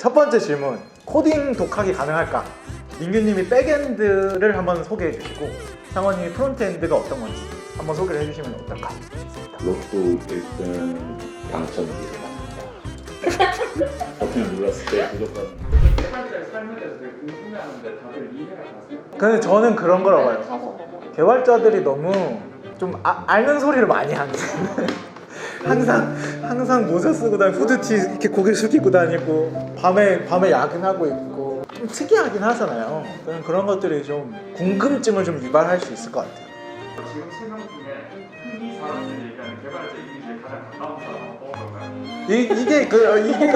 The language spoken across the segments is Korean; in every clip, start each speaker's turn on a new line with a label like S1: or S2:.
S1: 첫 번째 질문, 코딩 독학이 가능할까? 민규님이 백엔드를 한번 소개해 주시고 상원님이 프론트엔드가 어떤 건지 한번 소개를 해주시면 어떨까?
S2: 로또 1등 당첨기를 합니다. 버튼을 눌렀을 때 무조건
S3: 개발자의 삶에 대해서 되게 궁금해하는데 다들 이해가 가세요?
S1: 근데 저는 그런 거라고 봐요.
S4: 가서 먹어.
S1: 개발자들이 너무 좀 앓는 소리를 많이 하는 항상 모자 쓰고 다니고 후드티 이렇게 고개 숙이고 다니고 밤에 야근하고 있고 좀 특이하긴 하잖아요. 저는 그런 것들이 좀 궁금증을 좀 유발할 수 있을 것 같아요.
S3: 지금 세명 중에 흔히 사람들이 얘기하는 개발자 이미지에 가장 가까운 사람은 어떤가요?
S1: 이게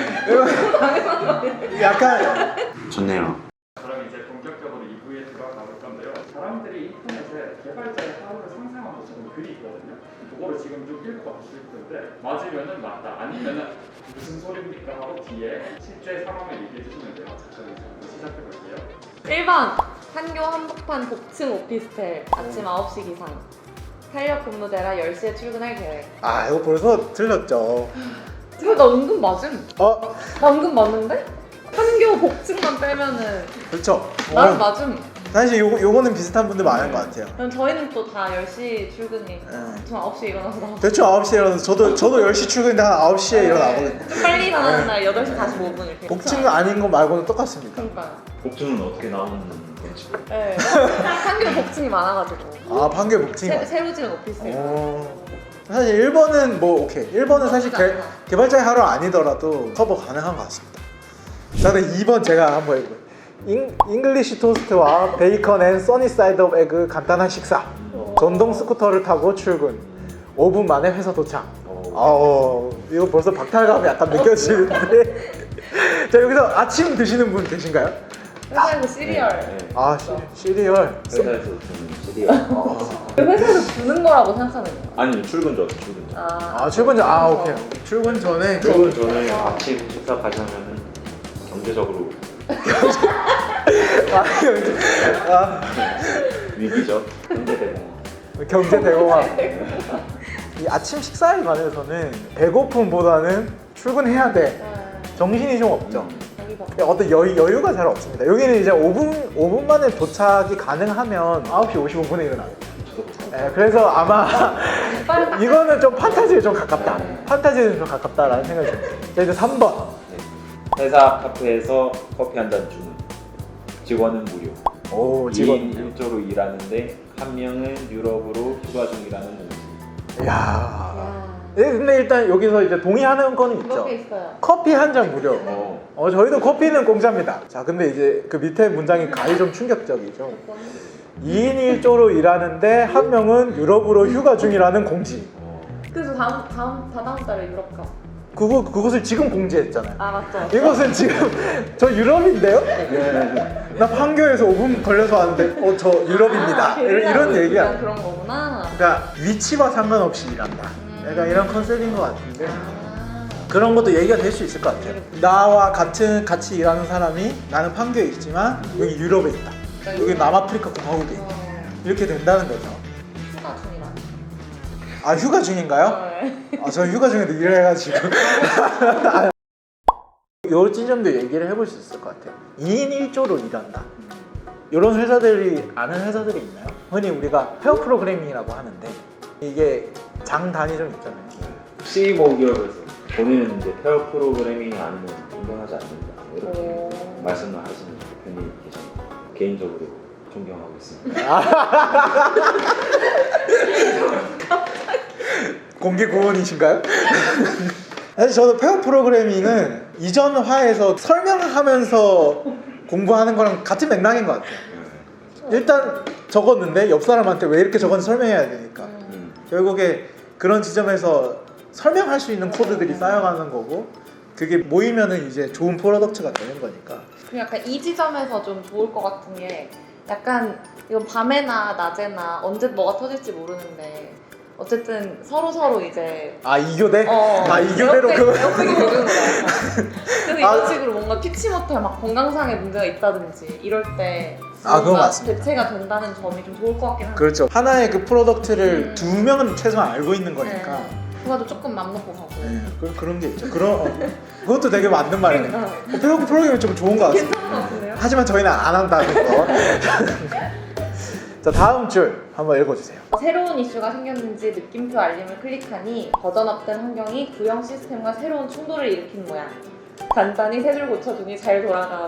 S1: 약간
S2: 좋네요.
S3: 그럼 이제 본격적으로 2부에 들어가 볼 건데요. 사람들이 인터넷에 개발자의 하루를 상상한 것처럼 글이 있거든요. 그거를 지금 좀 읽고 가실 텐데 맞으면은 맞다, 아니면은 무슨 소리입니까 하고 뒤에 실제 상황을 얘기해 주시면 돼요. 자, 저희 이제 시작해 볼게요.
S4: 1번 판교 한복판 복층 오피스텔 아침 9시 기상 탄력 근무제라 10시에 출근할 계획.
S1: 아 이거 벌써 틀렸죠.
S4: 이거 나 은근 맞음. 나 은근 맞는데? 판교 복층만 빼면은
S1: 그렇죠.
S4: 나는 맞음.
S1: 사실 요거는 비슷한 분들 많은 것 같아요.
S4: 그럼 저희는 또 다 10시 출근이니까 전 9시에 일어나서 나오고
S1: 대충 9시에 일어나서 저도 10시 출근인데 한 9시에 일어나거든요.
S4: 빨리 일어나는 날 8시 45분 이렇게.
S1: 복층 아닌 거 말고는 똑같습니다.
S4: 그러니까요.
S2: 복주는 어떻게 나오는 건지.
S4: 네. 판교 복층이 많아가지고
S1: 아 판교 복층이
S4: 새로 지은 오피스텔.
S1: 사실 1번은 뭐 오케이 1번은 사실 개발자의 하루 아니더라도 커버 가능한 것 같습니다. 자 근데 2번 제가 한번 해볼게요. 잉글리시 토스트와 베이컨 앤 써니사이드 업 에그 간단한 식사. 전동 스쿠터를 타고 출근. 5분 만에 회사 도착. 이거 벌써 박탈감이 약간 느껴지는데. 자 여기서 아침 드시는 분 계신가요?
S4: 회사에서 시리얼.
S2: 네.
S1: 아 시리얼.
S2: 회사에서 주는 시리얼.
S4: 회사에서 주는 거라고 생각하는 거예요.
S2: 아니 출근 전.
S1: 아 출근 전 오케이. 출근 전에
S2: 출근 전에 아침 식사 가시면은 경제적으로 위기죠.
S1: 경제 대공황. 이 아침 식사에 관해서는 배고픔보다는 출근해야 돼. 정신이 좀 없죠.
S4: 여기 봐.
S1: 어떤 여유가 잘 없습니다. 여기는 이제 5분 만에 도착이 가능하면 9시 55분에 일어나요. 그래서 아마 이거는 좀 판타지에 좀 가깝다. 판타지에 좀 가깝다라는 생각이 듭니다. 자, 이제 3번.
S2: 회사 카페에서 커피 한 잔 주문. 직원은 무료.
S1: 오,
S2: 2인
S1: 직원.
S2: 1조로 일하는데 한 명은 유럽으로 휴가 중이라는 공지.
S1: 이야. 근데 일단 여기서 이제 동의하는 거는 있죠.
S4: 그렇게 있어요.
S1: 커피 한 잔 무료. 저희도 커피는 공짜입니다. 자, 근데 이제 그 밑에 문장이 가히 좀 충격적이죠. 2인 1조로 일하는데 한 명은 유럽으로 휴가 중이라는 공지.
S4: 그래서 다다음 달에 유럽 가.
S1: 그것을 지금 공지했잖아요.
S4: 아 맞죠.
S1: 이것은 지금 저 유럽인데요? 나 판교에서 5분 걸려서 왔는데 저 유럽입니다. 이런 얘기야.
S4: 그런 거구나.
S1: 그러니까 위치와 상관없이 일한다. 약간 이런 컨셉인 것 같은데 그런 것도 얘기가 될 수 있을 것 같아요. 나와 같이 일하는 사람이 나는 판교에 있지만 여기 유럽에 있다. 여기 남아프리카 공화국에 있다. 이렇게 된다는 거죠.
S4: 휴가 중이라.
S1: 아 휴가 중인가요? 저 휴가 중인데 일을 해가지고 요 지점도 얘기를 해볼 수 있을 것 같아요. 2인 1조로 일한다. 이런 회사들이 아는 회사들이 있나요? 흔히 우리가 페어 프로그래밍이라고 하는데 이게 장 단위 좀 있잖아요.
S2: CEO 기업에서 본인은 이제 페어 프로그래밍이 아니면 인정하지 않는다 이렇게 말씀을 하시는 대표님이 계십니다. 개인적으로 존경하고 있습니다.
S1: 공개 구원이신가요? 사실 저도 페어 프로그래밍은 이전 화에서 설명하면서 공부하는 거랑 같은 맥락인 것 같아요. 일단 적었는데 옆 사람한테 왜 이렇게 적었는지 설명해야 되니까 결국에 그런 지점에서 설명할 수 있는 코드들이 쌓여가는 거고 그게 모이면은 이제 좋은 프로덕트가 되는 거니까.
S4: 약간 이 지점에서 좀 좋을 것 같은 게 약간 이건 밤에나 낮에나 언제 뭐가 터질지 모르는데 어쨌든 서로 이제
S1: 이교대? 이교대로
S4: 옆에도 모르는 거야. 그래서 이런 식으로 뭔가 피치 못할 막 건강상의 문제가 있다든지 이럴 때
S1: 그거
S4: 뭔가
S1: 맞습니다.
S4: 대체가 된다는 점이 좀 좋을 것 같긴 한데.
S1: 그렇죠. 하나의 그 프로덕트를 두 명은 최소한 알고 있는 거니까
S4: 그래도 조금 맘 놓고 가고.
S1: 네, 그런 게 있죠. 그것도 되게 맞는 말이네요.
S4: 그러니까
S1: 페어프 프로그램이 좀 좋은 것 같습니다.
S4: 괜찮은 것 같은데요?
S1: 하지만 저희는 안 한다는 거. 자, 다음 줄 한번 읽어주세요.
S4: 새로운 이슈가 생겼는지 느낌표 알림을 클릭하니 버전업된 환경이 구형 시스템과 새로운 충돌을 일으킨 모양. 간단히 세 줄 고쳐주니 잘 돌아가는.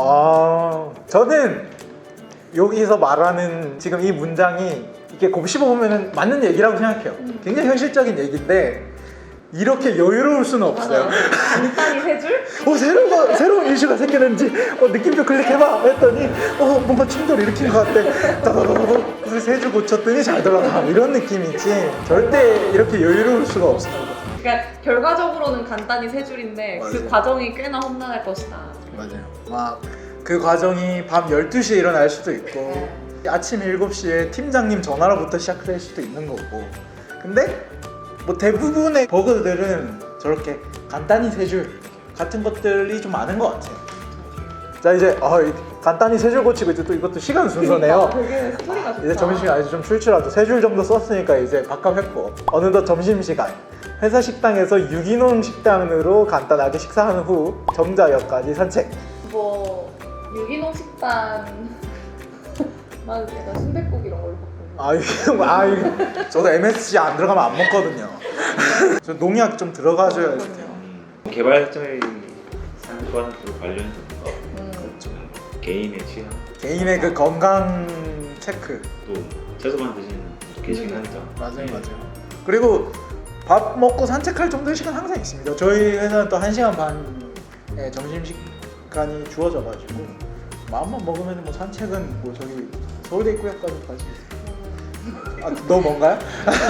S1: 저는 여기서 말하는 지금 이 문장이 이게 곱씹어보면 맞는 얘기라고 생각해요. 굉장히 현실적인 얘기인데 이렇게 여유로울 수는 없어요.
S4: 맞아요. 간단히 세 줄?
S1: 새로운 이슈가 생겼는지 느낌표 클릭해봐 했더니 뭔가 충돌 일으킨 것 같아. 따다다다다. 그래서 세 줄 고쳤더니 잘 돌아가. 이런 느낌이지 절대 이렇게 여유로울 수가 없습니다.
S4: 그러니까 결과적으로는 간단히 세 줄인데
S1: 맞아요.
S4: 그 과정이 꽤나 험난할 것이다.
S1: 맞아요. 막 그 과정이 밤 12시에 일어날 수도 있고 아침 7시에 팀장님 전화로부터 시작될 수도 있는 거고. 근데 뭐 대부분의 버그들은 저렇게 간단히 세 줄 같은 것들이 좀 많은 것 같아요. 자, 이제 간단히 세 줄 고치고 이제 또 이것도 시간 순서네요.
S4: 되게 스토리가 좋다.
S1: 이제 점심시간 이제 좀 출출하죠. 세 줄 정도 썼으니까 이제 밥값했고 어느덧 점심시간. 회사 식당에서 유기농 식단으로 간단하게 식사한 후 정자역까지 산책.
S4: 뭐 유기농 식단 막 약간 순댓국 이런 걸로 바꾸는
S1: 저도 MSG 안 들어가면 안 먹거든요. 저 농약 좀 들어가줘야 돼요.
S2: 개발자의 상관으로 관련된 거,
S1: 그렇죠.
S2: 개인의 취향,
S1: 개인의 그 건강 체크.
S2: 또 채소만 드시는 분도 계시긴 하죠.
S1: 맞아요. 그리고 밥 먹고 산책할 정도의 시간 항상 있습니다. 저희 회사는 또 1시간 반의 점심시간이 주어져가지고 마음만 먹으면 뭐 산책은 뭐 저기 서울대 입구역까지 갈 수 있어요. 너 뭔가요?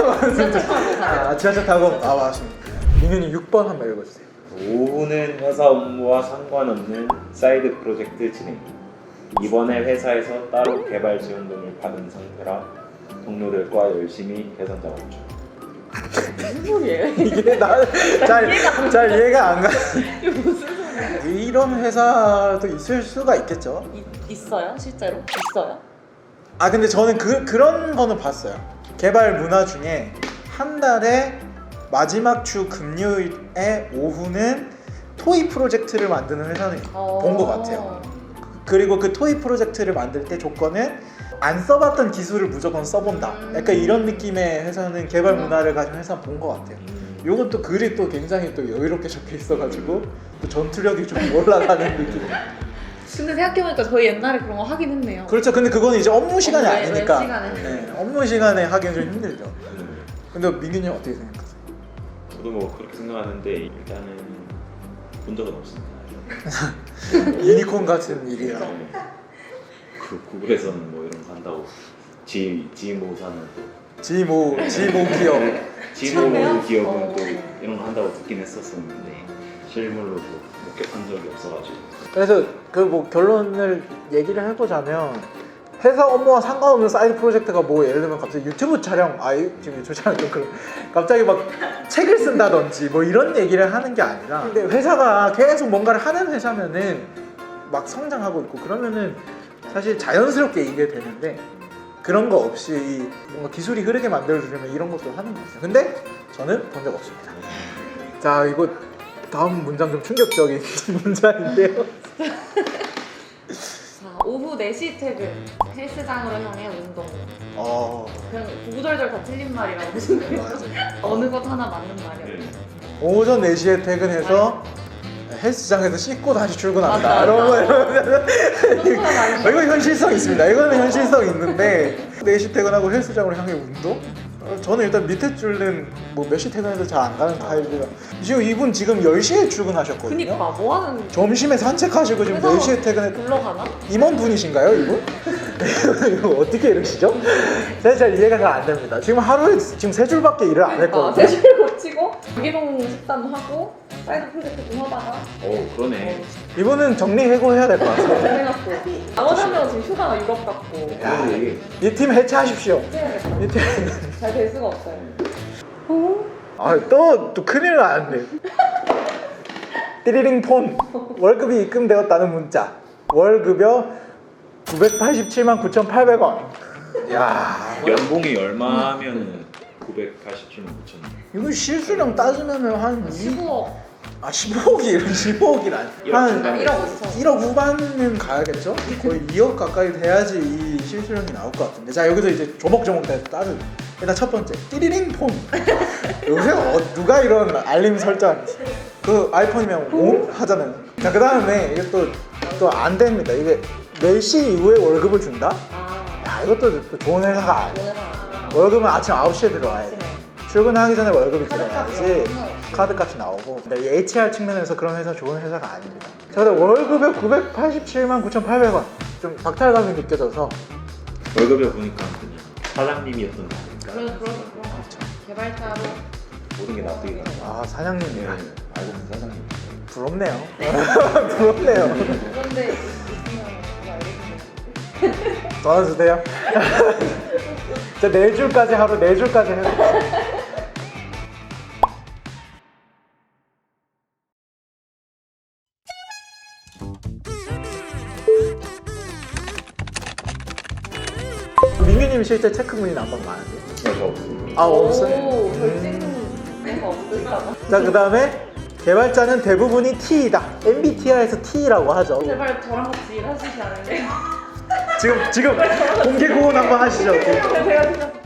S1: 지하철 타고 맞습니다. 민윤이 6번 한번 읽어주세요.
S2: 오후는 회사 업무와 상관없는 사이드 프로젝트 진행. 이번에 회사에서 따로 개발 지원금을 받은 상태라 동료들과 열심히 개선 작업 중.
S4: 무슨 소리예요?
S1: 이게 잘 이해가 안 가.
S4: 이게 무슨 소리예요?
S1: 이런 회사도 있을 수가 있겠죠.
S4: 있어요? 실제로? 있어요?
S1: 근데 저는 그런 거는 봤어요. 개발 문화 중에 한 달에 마지막 주 금요일에 오후는 토이 프로젝트를 만드는 회사는 본 것 같아요. 그리고 그 토이 프로젝트를 만들 때 조건은 안 써봤던 기술을 무조건 써본다. 약간 이런 느낌의 회사는 개발 문화를 가진 회사는 본 것 같아요. 요건 또 글이 또 굉장히 또 여유롭게 적혀 있어가지고 또 전투력이 좀 올라가는 느낌.
S4: 근데 생각해보니까 저희 옛날에 그런 거 하긴 했네요.
S1: 그렇죠. 근데 그건 이제 업무 시간이
S4: 외
S1: 아니니까.
S4: 시간에.
S1: 네, 업무 시간에 하기는 좀 힘들죠. 근데 민균이 형 어떻게 생각하세요?
S2: 저도 뭐 그렇게 생각하는데 일단은 본 적은 없습니다.
S1: 유니콘 같은 일이야.
S2: 그 구글에서는 뭐 이런 거 한다고 지모 사는 또
S1: 지모 기업.
S2: 지모
S4: 참여요?
S2: 기업은 또 이런 거 한다고 듣긴 했었었는데 실물로 목격한 적이 없어가지고.
S1: 그래서 그 뭐 결론을 얘기를 해보자면 회사 업무와 상관없는 사이드 프로젝트가 뭐 예를 들면 갑자기 유튜브 촬영 지금 유튜브 촬영 좀 그런 갑자기 막 책을 쓴다든지 뭐 이런 얘기를 하는 게 아니라 근데 회사가 계속 뭔가를 하는 회사면은 막 성장하고 있고 그러면은 사실 자연스럽게 이게 되는데 그런 거 없이 뭔가 기술이 흐르게 만들어주려면 이런 것도 하는 거 같아요. 근데 저는 본 적 없습니다. 자, 이거 다음 문장 좀 충격적인 문장인데요.
S4: 자, 오후 4시 퇴근. 헬스장으로 향해 운동. 그냥 구구절절 다 틀린 말이라고 보시면 돼요. 어느 것 하나 맞는 말이에요.
S1: 오전 4시에 퇴근해서 헬스장에서 씻고 다시 출근한다.
S4: 맞아.
S1: 이거 현실성 있습니다. 이거는 현실성 있는데 4시 퇴근하고 헬스장으로 향해 운동? 저는 일단 밑에 줄은 뭐 몇 시 퇴근해도 잘 안 가는 타입이라 지금 이분 지금 10시에 출근하셨거든요.
S4: 그니까 뭐 하는
S1: 점심에 산책하시고 지금 4시에 퇴근해
S4: 굴러가나?
S1: 임원분이신가요 이분? 이거 어떻게 이러시죠? 잘 이해가 잘 안 됩니다. 지금 하루에 지금 3줄밖에 일을 안 했거든요.
S4: 3줄 고치고 유기농 식단도 하고 사이드 프로젝트 좀 하다가
S2: 그러네.
S1: 이분은 정리해고해야 될 것 같아요.
S4: 해갖고 나머지 한 명은 지금 휴가가 유럽 갔고
S1: 이 팀 해체하십시오.
S4: 해야겠다.
S1: 이 팀.
S4: 잘 될 수가 없어요.
S1: 또 큰일 났네. 띠리링 폰. 월급이 입금되었다는 문자. 월급여 987만 9,800원. 야,
S2: 연봉이 얼마면은 987만 9천.
S1: 이거 실수령 따지면은 한
S4: 15억
S1: 15억이 아니 한
S4: 1억 5천
S1: 1억 후반은 가야겠죠? 거의 2억 가까이 돼야지 이 실수령이 나올 것 같은데. 자, 여기서 이제 조목조목 따져. 일단 첫 번째 띠리링 폰. 요새 누가 이런 알림 설정 그 아이폰이면 옹 하잖아요. 자, 그 다음에 이게 또 안 됩니다. 이게 4시 이후에 월급을 준다? 야, 이것도 또 좋은 회사가 아니야. 월급은 아침 9시에 들어와야 돼. 출근하기 전에 월급이 들어가야지 카드값이 나오고. 근데 이 HR 측면에서 그런 회사 좋은 회사가 아닙니다. 자, 근데 월급에 987만 9,800원 좀 박탈감이 느껴져서.
S2: 월급에 보니까 그냥 사장님이었던 거
S4: 그래서 그렇고 개발자로
S2: 모든 게 납득이 가.
S1: 아, 사장님이야.
S2: 알고 보면 사장님.
S1: 부럽네요. 부럽네요.
S4: 그런데 있으면 그거 알겠네요.
S1: 전화주세요. 자, 4줄까지 하루 4줄까지 해서. 민규님 실제 체크문의 난방 많으세요?
S2: 저 없습니다.
S1: 아, 없어요?
S4: 오, 결제가 없을까봐.
S1: 자, 그 다음에 개발자는 대부분이 T이다. MBTI에서 T라고 하죠.
S4: 제발 저랑 같이 일하시지 않을래요?
S1: 지금 공개 구원 한번 하시죠.
S4: 제가 진짜